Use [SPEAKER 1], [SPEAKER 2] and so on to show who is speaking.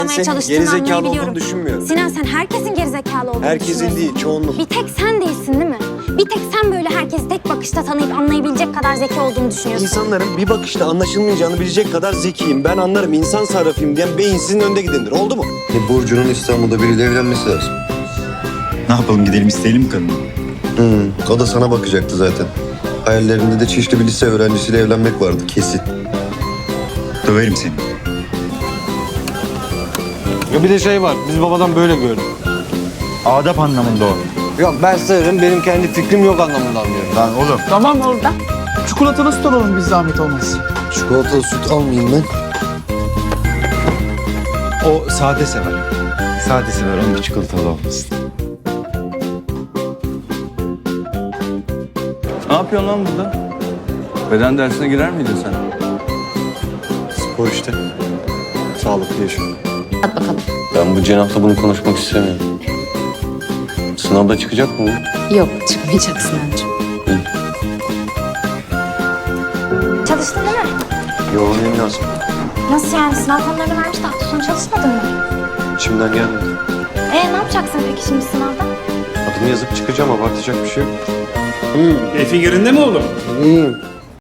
[SPEAKER 1] Senin
[SPEAKER 2] çalıştığını
[SPEAKER 1] gerizekalı
[SPEAKER 2] anlayabiliyorum.
[SPEAKER 1] olduğunu düşünmüyorum.
[SPEAKER 2] Sinan, sen herkesin gerizekalı olduğunu
[SPEAKER 1] Herkesin
[SPEAKER 2] düşünüyorsun.
[SPEAKER 1] değil, çoğunluk.
[SPEAKER 2] Bir tek sen değilsin değil mi? Bir tek sen böyle herkesi tek bakışta tanıyıp anlayabilecek kadar zeki olduğunu düşünüyorsun.
[SPEAKER 1] İnsanların bir bakışta anlaşılmayacağını bilecek kadar zekiyim. Ben anlarım, insan sarrafıyım diyen beyinsizin önde gidendir. Oldu mu?
[SPEAKER 3] Burcu'nun İstanbul'da biriyle evlenmesi lazım.
[SPEAKER 4] Ne yapalım, gidelim isteyelim mi kadını?
[SPEAKER 3] O da sana bakacaktı zaten. Hayallerinde de Çişli bir lise öğrencisiyle evlenmek vardı kesin.
[SPEAKER 4] Döverim seni.
[SPEAKER 1] Ya bir de şey var, biz babadan böyle gördük.
[SPEAKER 4] Adap anlamında o.
[SPEAKER 1] Yok ben sayarım, benim kendi fikrim yok anlamında anlıyorum.
[SPEAKER 4] Lan oğlum.
[SPEAKER 5] Tamam orada. Çikolatalı süt alalım biz zahmet olmaz.
[SPEAKER 3] Çikolatalı süt almayayım ben.
[SPEAKER 4] O sade sever. Sade sever, onun bir çikolatalı olmasın.
[SPEAKER 6] Ne yapıyorsun lan burada? Beden dersine girer miydin sen?
[SPEAKER 1] Spor işte. Sağlıklı yaşam.
[SPEAKER 2] Hadi bakalım.
[SPEAKER 7] Ben bu cenahla bunu konuşmak istemiyorum. Sınavda çıkacak mı bu?
[SPEAKER 2] Yok, çıkmayacak Sinancığım. Çalıştın değil mi?
[SPEAKER 1] Yoğunluğum lazım.
[SPEAKER 2] Nasıl yani? Sınav konularını vermiş de hafta sonu çalışmadın mı?
[SPEAKER 1] İçimden gelmedi.
[SPEAKER 2] Ne yapacaksın peki şimdi sınavda?
[SPEAKER 1] Adımı yazıp çıkacağım, abartacak bir şey yok.
[SPEAKER 8] Keyfin yerinde mi oğlum?
[SPEAKER 1] İyiyim.